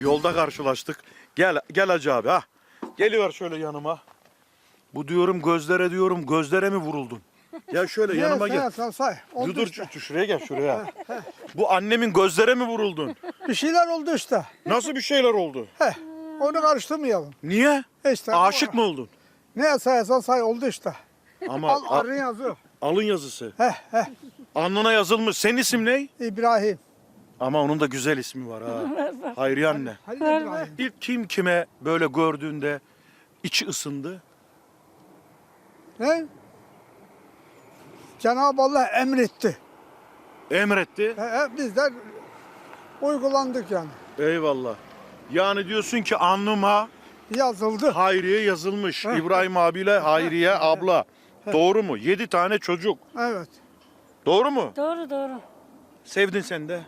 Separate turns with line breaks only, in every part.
Yolda karşılaştık. Gel Hacı abi ha. Geliver şöyle yanıma. Bu diyorum gözlere mi vuruldun? Gel şöyle yanıma gel.
Say.
Dur şuraya gel şuraya. Bu annemin gözlere mi vuruldun?
Bir şeyler oldu işte.
Nasıl bir şeyler oldu?
Onu karıştırmayalım.
Niye?
İşte
Aşık mı oldun?
Ne sayarsan say oldu işte.
Ama
Arın yazıyor.
alın yazısı. Alnına yazılmış. Senin isim ne?
İbrahim.
Ama onun da güzel ismi var ha. Hayriye anne.
Halil İbrahim.
İlk kim kime böyle gördüğünde içi ısındı?
Ne? Cenab-ı Allah emretti.
Emretti.
Biz de uygulandık yani.
Eyvallah. Yani diyorsun ki alnıma
Yazıldı.
Hayriye yazılmış. İbrahim abiyle Hayriye abla. Doğru mu? 7 tane çocuk.
Evet.
Doğru mu?
Doğru.
Sevdin sen de.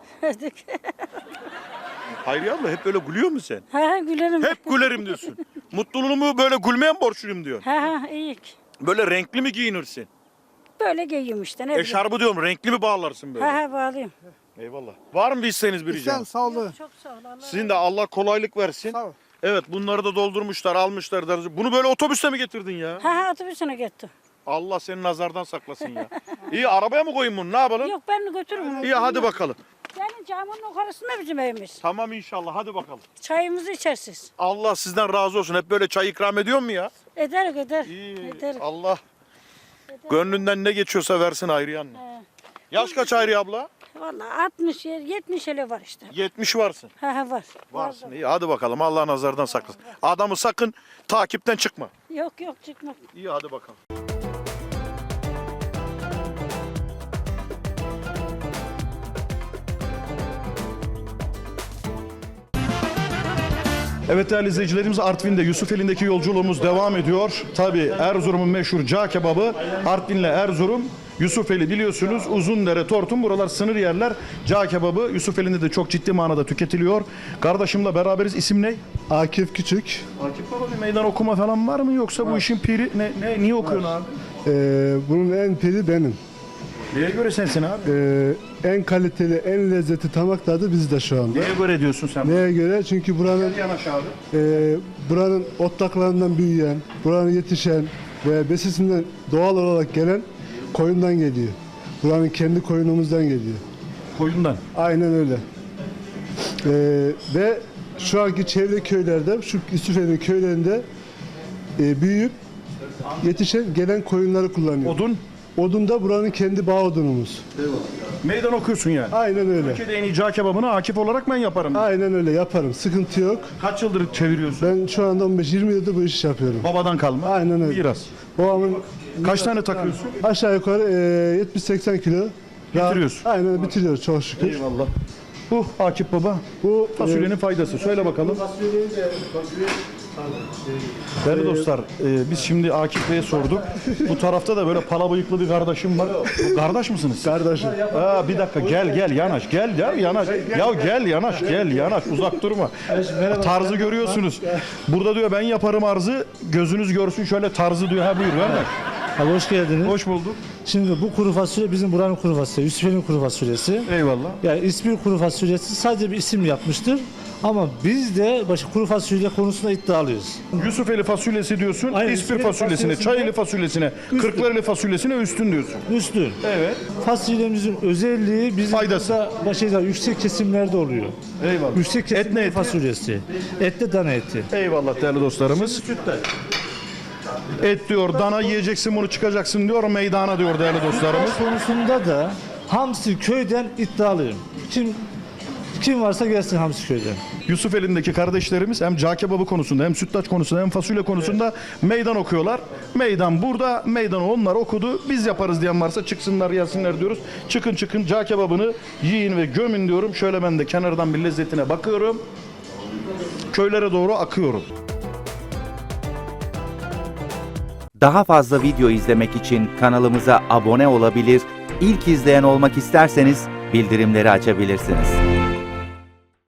Hayriye abla hep böyle gülüyor mu sen?
Ha gülerim.
Hep gülerim diyorsun. Mutluluğumu böyle gülmeye mi borçluyum diyorsun?
Ha iyi.
Böyle renkli mi giyinirsin?
Böyle giyiyorum işte ne bileyim.
Eşarbı diyorum renkli mi bağlarsın böyle?
Ha bağlayayım.
Eyvallah. Var mı bir isteğiniz bir
Sen
ricam?
sağlığı.
Çok sağ ol. Allah
Sizin de Allah kolaylık versin.
Sağ ol.
Evet bunları da doldurmuşlar almışlar. Bunu böyle otobüste mi getirdin ya?
Ha otobüsüne gitti.
Allah seni nazardan saklasın ya. İyi arabaya mı koyayım bunu ne yapalım?
Yok ben götürürüm.
İyi hadi bakalım.
Yani camının yukarısında bizim evimiz.
Tamam inşallah hadi bakalım.
Çayımızı içersiz.
Allah sizden razı olsun. Hep böyle çay ikram ediyor mu ya?
Eder.
İyi.
Eder.
Allah gönlünden ne geçiyorsa versin Hayriye anne. Yaş kaç Hayriye abla?
Vallahi 60 70 ele var işte.
70 varsın.
Ha var.
Varsın. İyi hadi bakalım. Allah nazardan saklasın. Adamı sakın takipten çıkma.
Yok çıkmak.
İyi hadi bakalım. Evet değerli izleyicilerimiz Artvin'de Yusufeli'ndeki yolculuğumuz devam ediyor. Tabii Erzurum'un meşhur cağ kebabı Artvin'le Erzurum. Yusufeli biliyorsunuz Uzundere, Tortum buralar sınır yerler. Cağ kebabı Yusufeli'nde de çok ciddi manada tüketiliyor. Kardeşimle beraberiz. İsim ne?
Akif Küçük.
Akif baba bir meydan okuma falan var mı yoksa bu işin piri niye okuyorsun abi?
Bunun en piri benim.
Neye göre sensin abi?
En kaliteli, en lezzeti tamak tadı bizde şu anda.
Neye göre diyorsun sen?
Neye göre? Çünkü
Yanaş abi.
buranın otlaklarından büyüyen, buranın yetişen ve besisinden doğal olarak gelen koyundan geliyor. Buranın kendi koyunumuzdan geliyor.
Koyundan.
Aynen öyle. Ve şu anki çevre köylerde, şu Yusufeli köylerinde büyüyüp yetişen gelen koyunları kullanıyor. Odun da buranın kendi bağ odunumuz.
Meydan okuyorsun yani.
Aynen öyle.
Türkiye'de en iyi cağ kebabını Akif olarak ben yaparım.
Aynen öyle yaparım. Sıkıntı yok.
Kaç yıldır çeviriyorsun?
Ben şu anda 15-20 yıldır bu işi yapıyorum.
Babadan kalma.
Aynen öyle.
Biraz.
Babamın
Kaç tane takıyorsun?
aşağı yukarı 70-80 kilo.
Bitiriyorsun.
Aynen bitiriyoruz çok şükür.
Eyvallah. Bu Akif baba.
Bu
Fasulyenin faydası. Söyle bakalım. Değerli dostlar, biz şimdi Akif Bey'e sorduk. Bu tarafta da böyle pala bıyıklı bir kardeşim var. Bu kardeş misiniz?
kardeşim.
Bir dakika gel yanaş. Gel yanaş. Gel yanaş. Uzak durma. Tarzı görüyorsunuz. Burada diyor ben yaparım arzı. Gözünüz görsün şöyle tarzı diyor. Ha buyur kardeş.
Abi hoş geldiniz.
Hoş bulduk.
Şimdi bu kuru fasulye bizim buranın kuru fasulyesi, Yusufeli'nin kuru fasulyesi.
Eyvallah.
Yani ismi kuru fasulyesi sadece bir isim yapmıştır. Ama biz de kuru fasulye konusunda iddialıyız.
Yusufeli fasulyesi diyorsun,
Aynen,
İspir
Yusufeli
fasulyesine,
fasulyesinde-
Çayeli fasulyesine, Kırklareli fasulyesine üstün diyorsun.
Üstün.
Evet.
Fasulyemizin özelliği bizim
Faydası.
burada yüksek kesimlerde oluyor.
Eyvallah.
Yüksek
Et ne
kesimli
eti?
fasulyesi. Etli dana eti.
Eyvallah değerli dostlarımız. Et diyor, dana yiyeceksin bunu çıkacaksın diyor, meydana diyor değerli dostlarımız.
Konusunda da Hamsi köyden iddialıyım. Kim varsa gelsin Hamsi köyden.
Yusufeli'ndeki kardeşlerimiz hem cağ kebabı konusunda hem sütlaç konusunda hem fasulye konusunda meydan okuyorlar. Meydan burada, meydanı onlar okudu. Biz yaparız diyen varsa çıksınlar gelsinler diyoruz. Çıkın cağ kebabını yiyin ve gömün diyorum. Şöyle ben de kenardan bir lezzetine bakıyorum. Köylere doğru akıyorum.
Daha fazla video izlemek için kanalımıza abone olabilir, ilk izleyen olmak isterseniz bildirimleri açabilirsiniz.